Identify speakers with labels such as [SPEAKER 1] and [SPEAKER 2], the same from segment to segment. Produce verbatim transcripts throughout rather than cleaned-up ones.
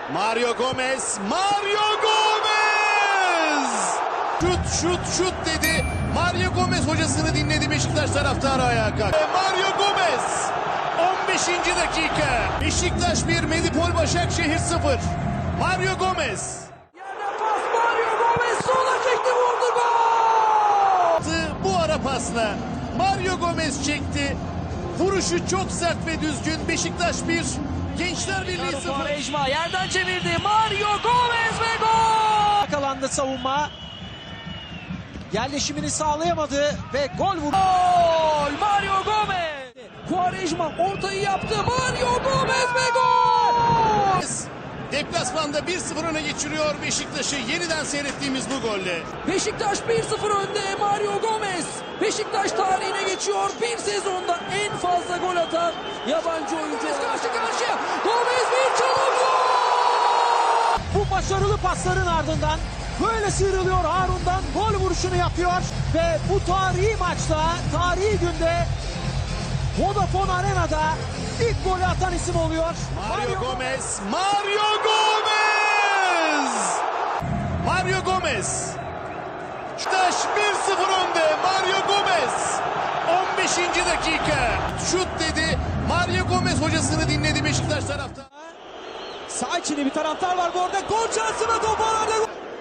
[SPEAKER 1] Mario Gomez, Mario Gomez! Şut, şut, şut dedi. Mario Gomez hocasını dinledi, Beşiktaş taraftarı ayağa kalktı. Mario Gomez! on beşinci dakika. Beşiktaş bir, Medipol Başakşehir sıfır. Mario Gomez.
[SPEAKER 2] Yerden pas, Mario Gomez sola çekti, vurdu, gol!
[SPEAKER 1] Bu ara pasla Mario Gomez çekti. Vuruşu çok sert ve düzgün. Beşiktaş bir, Gençler Birliği sıfır.
[SPEAKER 2] Quaresma yerden çevirdi. Mario Gomez ve gol!
[SPEAKER 3] Yakalandı savunma. Yerleşimini sağlayamadı ve gol vurdu.
[SPEAKER 2] Gol! Mario Gomez! Quaresma ortayı yaptı. Mario Gomez ve gol!
[SPEAKER 1] Deplasmanda bir sıfır öne geçiriyor Beşiktaş'ı, yeniden seyrettiğimiz bu golle.
[SPEAKER 2] Beşiktaş bir sıfır önde. Mario Gomez Beşiktaş tarihine geçiyor. Bir sezonda en fazla gol atan yabancı oyuncu. Karşı karşıya. Gomez bir çalım, gol!
[SPEAKER 3] Bu başarılı pasların ardından böyle sıyrılıyor Harun'dan, gol vuruşunu yapıyor ve bu tarihi maçta, tarihi günde Vodafone Arena'da ilk golü atan isim oluyor.
[SPEAKER 1] Mario Gomez, Mario Gomez! Mario Gomez. Beşiktaş bir sıfır önde. Mario Gomez. on beşinci dakika. Şut dedi. Mario Gomez hocasını dinledi, Beşiktaş taraftarı.
[SPEAKER 3] Sağ içinde bir taraftar var bu arada. Gol şansına top arada.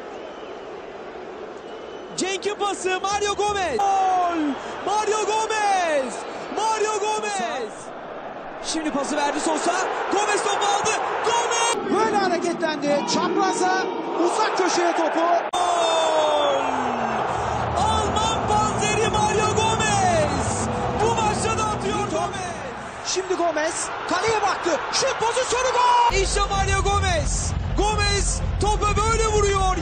[SPEAKER 3] Cenk'in pası, Mario Gomez. Gol! Mario Gomez! Mario Gomez! Şimdi pası verdi Sosa. Gomez topu aldı. Gomez! Böyle hareketlendi. Çapraza, uzak köşeye topu. Gol! Alman panzeri Mario Gomez! Bu maçta da atıyor Gomez. Şimdi Gomez kaleye baktı. Şut pozisyonu, gol! İşte Mario Gomez. Gomez topa böyle vuruyor.